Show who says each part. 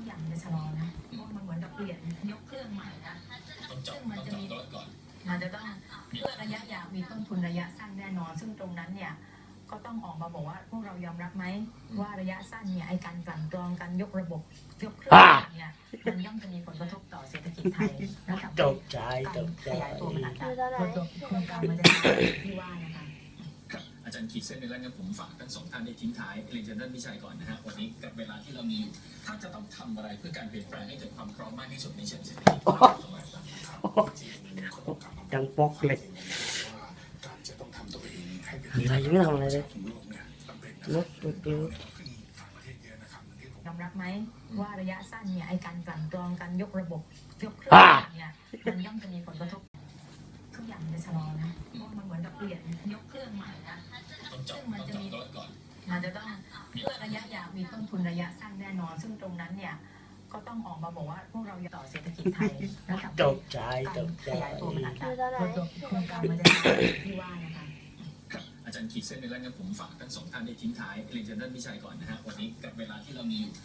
Speaker 1: อย่างมันจะชะลอนะเพราะมันเหมือนกับเปลี่ยนยกเครื่องใหม่นะซึ่งมันจะมีมันจะต้องเพื่อระยะยาวมีต้นทุนระยะสั้นแน่นอนซึ่งตรงนั้นเนี่ยก็ต้องออกมาบอกว่าพวกเรายอมรับไหมว่าระยะสั้นเนี่ยไอ้การกลั่นกรองการยกระบบยกเครื่องเนี่ยมันย่อมจะมีผลกระทบต่อเศรษฐกิจไทยนะครับ
Speaker 2: ตกใจ
Speaker 1: ขยายตัวมันอาจจะลดลงโครงการมันจะที่ว่านะคะ
Speaker 3: ครับอาจารย์ขีดเส้นในแล้วงั้นผมฝากทั้งสองท่านได้ทิ้งท้ายเรียนเชิญท่านวิชัยก่อนนะฮะวันนี้กับเวลาที่เรามีอยู่ถ้าจะต้องทำอะไรเพื่อการเปลี่ยนแปลงให้เกิดความพร้อมมากที่สุดในเชิงเศรษฐกิจ
Speaker 2: ยังปกเลยอะไรยังไม่ทำอะไรเลยลุก
Speaker 1: ยอมรับไหมว่าระยะสั้นเนี่ยไอ้การกลั่นกรองการยกระบบยกเครื่องเนี่ยมันย่อมจะมีผลกระทบทุกอย่างมันจะชะลอนะเพราะมันเหมือนกับเปลี่ยนยกเครื่องใหม่นะซึ่งมันจะมีมันจะต้องเพื่อระยะยาวมีต้นทุนระยะสั้นแน่นอนซึ่งตรงนั้นเนี่ยก็ต้องออกมาบอกว่าพวกเราต่อเศรษฐกิจไทยนะครับ
Speaker 2: ตกใจ
Speaker 1: ขยายตัวมันอาจจะลดลงโครงการมันจะที่ว่านะคะ
Speaker 3: ครับอาจารย์ขีดเส้นในแล้วงั้นผมฝากทั้งสองท่านได้ทิ้งท้ายเรียนเชิญท่านวิชัยก่อนนะฮะวันนี้กับเวลาที่เรามีอยู่